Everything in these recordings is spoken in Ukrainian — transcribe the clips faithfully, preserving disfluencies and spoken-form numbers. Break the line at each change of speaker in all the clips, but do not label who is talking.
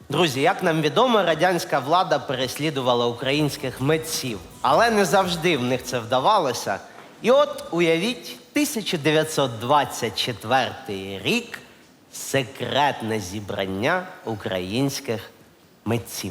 Друзі, як нам відомо, радянська влада переслідувала українських митців, але не завжди в них це вдавалося. І от, уявіть, тисяча дев'ятсот двадцять четвертий рік – секретне зібрання українських митців.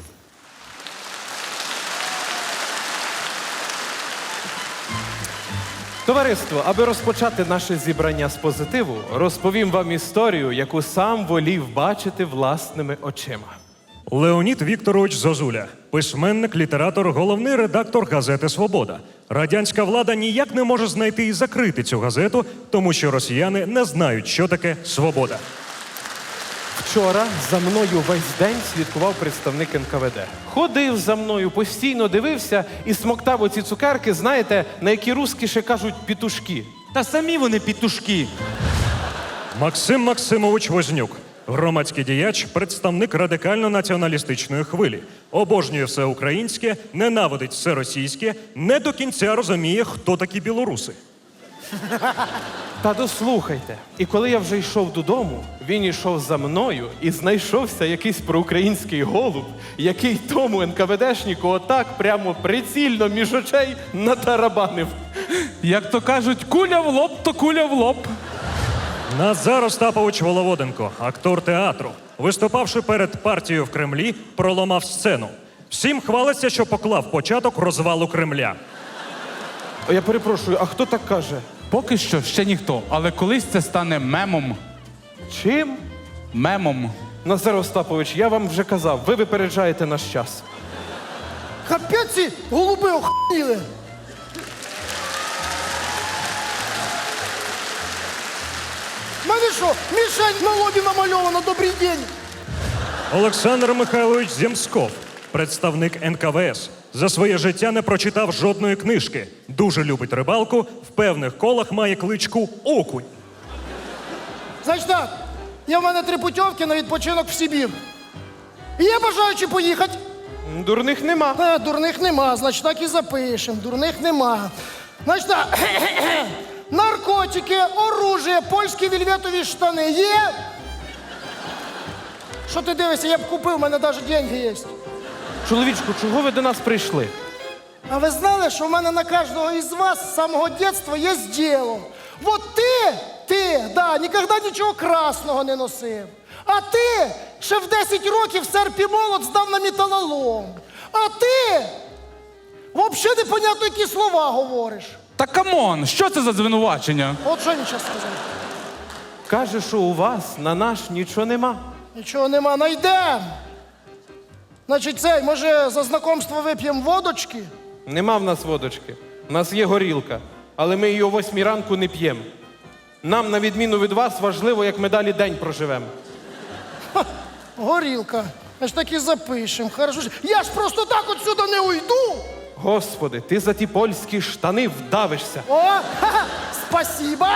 Товариство, аби розпочати наше зібрання з позитиву, розповім вам історію, яку сам волів бачити власними очима.
Леонід Вікторович Зозуля, письменник, літератор, головний редактор газети «Свобода». Радянська влада ніяк не може знайти і закрити цю газету, тому що росіяни не знають, що таке свобода.
Вчора за мною весь день слідкував представник ен ка ве де. Ходив за мною, постійно дивився і смоктав оці цукерки, знаєте, на які русські ще кажуть пітушки.
Та самі вони пітушки.
Максим Максимович Вознюк, громадський діяч, представник радикально-націоналістичної хвилі. Обожнює все українське, ненавидить все російське, не до кінця розуміє, хто такі білоруси.
Та дослухайте. І коли я вже йшов додому, він йшов за мною і знайшовся якийсь проукраїнський голуб, який тому ен ка ве дешнику отак прямо прицільно між очей натарабанив.
Як то кажуть, куля в лоб, то куля в лоб.
Назар Остапович Воловоденко, актор театру, виступавши перед партією в Кремлі, проламав сцену. Всім хвалиться, що поклав початок розвалу Кремля.
О, я перепрошую, а хто так каже?
Поки що ще ніхто, але колись це стане мемом.
Чим?
Мемом.
Назар Остапович, я вам вже казав, ви випереджаєте наш час.
Капець ці голуби охуїли. Мене що, мішень на лобі намальовано, добрий день.
Олександр Михайлович Земсков, представник ен ка ве ес. За своє життя не прочитав жодної книжки. Дуже любить рибалку, в певних колах має кличку Окунь.
Значить так, є в мене три путівки на відпочинок в Сибір. І є бажаючі поїхати.
М, Дурних нема.
А, дурних нема, значить так і запишемо. Дурних нема. Значить так, наркотики, оружие, польські вельветові штани є? Що ти дивишся, я б купив, у мене навіть деньги є.
Чоловічку, чого ви до нас прийшли?
А ви знали, що в мене на кожного із вас з самого дитинства є діло? Вот ти, ти, да, ніколи нічого красного не носив. А ти ще в десять років серп і молот здав на металолом. А ти взагалі непонятно, які слова говориш.
Та камон, що це за звинувачення?
От що він зараз сказав?
Каже, що у вас на наш нічого нема.
Нічого нема, найдем. Значить, цей, може, за знакомство вип'ємо водочки?
Нема в нас водочки. У нас є горілка, але ми її о восьмій ранку не п'ємо. Нам, на відміну від вас, важливо, як ми далі день проживемо.
Горілка. Значить, так і запишемо. Хорошо. Я ж просто так отсюди не уйду.
Господи, ти за ті польські штани вдавишся.
О, ха-ха, спасибо.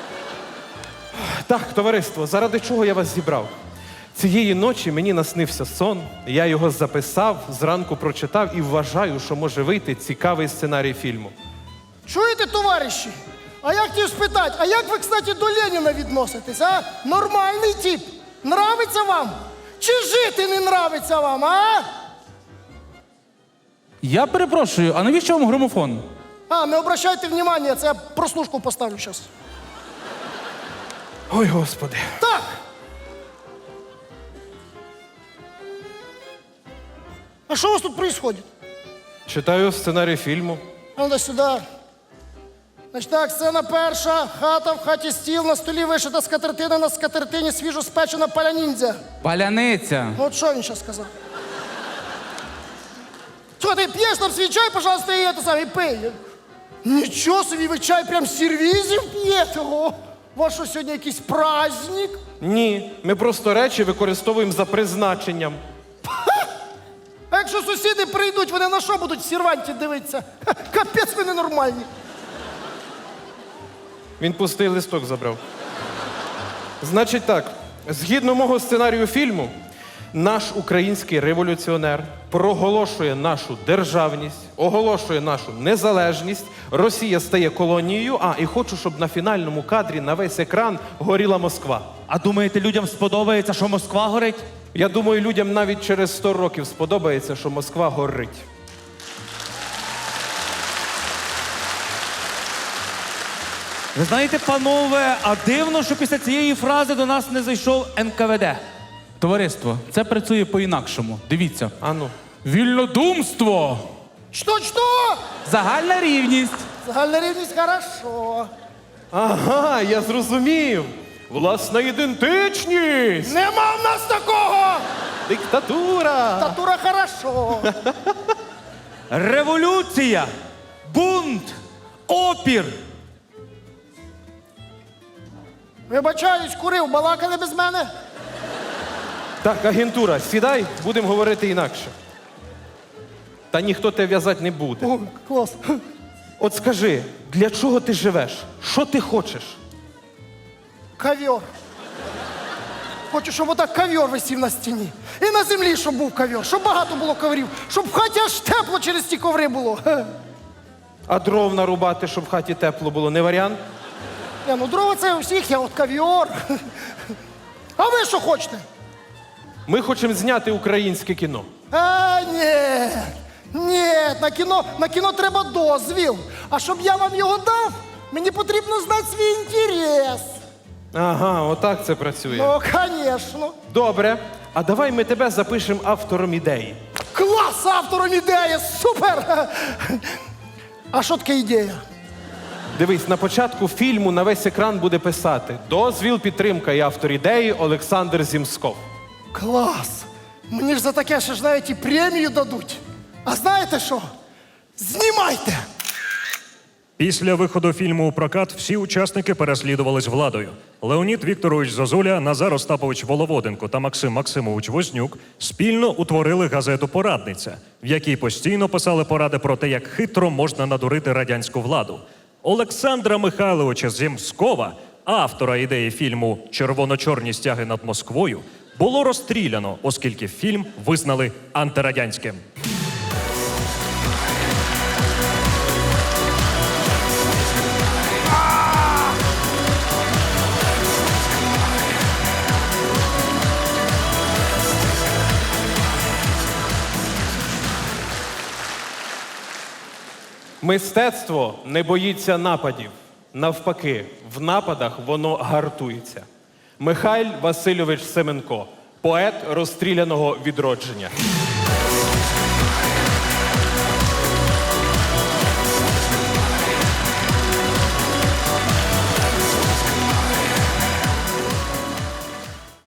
Так, товариство, заради чого я вас зібрав? Цієї ночі мені наснився сон, я його записав, зранку прочитав і вважаю, що може вийти цікавий сценарій фільму.
Чуєте, товариші? А я хотів спитати, а як ви, кстати, до Леніна відноситесь, а? Нормальний тип. Нравиться вам? Чи жити не нравиться вам, а?
Я перепрошую, а навіщо вам грамофон?
А, не обращайте внимання, це я прослушку поставлю зараз.
Ой, Господи.
Так. А що у вас тут происходит?
Читаю сценарій фільму.
А ну сюди. Значить так, сцена перша. Хата, в хаті стіл, на столі вишита скатертина, на скатертині свіжо спечена паля-ніндзя.
Паляниця.
Ну от що він зараз сказав? Що, ти п'єш там свій чай, пожалуйста, і це саме, і пий. Нічого собі, ви чай прям з сервізів п'єте? О, у вас що, сьогодні якийсь праздник?
Ні, ми просто речі використовуємо за призначенням.
А якщо сусіди прийдуть, вони на що будуть в серванті дивитися? Ха, капець, ви ненормальні.
Він пустий листок забрав. Значить так, згідно мого сценарію фільму, наш український революціонер проголошує нашу державність, оголошує нашу незалежність, Росія стає колонією, а, і хочу, щоб на фінальному кадрі на весь екран горіла Москва.
А думаєте, людям сподобається, що Москва горить?
Я думаю, людям навіть через сто років сподобається, що Москва горить.
Ви знаєте, панове, а дивно, що після цієї фрази до нас не зайшов ен ка ве де.
Товариство, це працює по-інакшому. Дивіться.
Ану.
Вільнодумство!
Що-що?
Загальна рівність.
Загальна рівність хорошо.
Ага, я зрозумів. Власна ідентичність.
Нема в нас такого!
Диктатура.
Татура хорошо.
Революція, бунт, опір.
Вибачаюсь, курив, балакали без мене.
Так, агентура, сідай, будемо говорити інакше. Та ніхто тебе в'язати не буде.
О, клас.
От скажи, для чого ти живеш? Що ти хочеш?
Ковер. Хочу, щоб отак ковер висів на стіні. І на землі, щоб був ковер, щоб багато було коврів, щоб в хаті аж тепло через ті коври було.
А дров нарубати, щоб в хаті тепло було, не варіант?
Не, ну дрова це у всіх, я от ковер. А ви що хочете?
Ми хочемо зняти українське кіно.
А, ні. Ні, на кіно, на кіно треба дозвіл. А щоб я вам його дав, мені потрібно знати свій інтерес.
Ага, отак це працює.
Ну, звісно.
Добре. А давай ми тебе запишемо автором ідеї.
Клас, автором ідеї, супер! А що таке ідея?
Дивись, на початку фільму на весь екран буде писати «Дозвіл, підтримка і автор ідеї Олександр Зімсков».
Клас! Мені ж за таке ще ж навіть і премію дадуть. А знаєте що? Знімайте!
Після виходу фільму у прокат всі учасники переслідувались владою. Леонід Вікторович Зозуля, Назар Остапович Воловоденко та Максим Максимович Вознюк спільно утворили газету «Порадниця», в якій постійно писали поради про те, як хитро можна надурити радянську владу. Олександра Михайловича Зімскова, автора ідеї фільму «Червоно-чорні стяги над Москвою», було розстріляно, оскільки фільм визнали антирадянським.
Мистецтво не боїться нападів. Навпаки, в нападах воно гартується. Михайль Васильович Семенко, поет розстріляного відродження.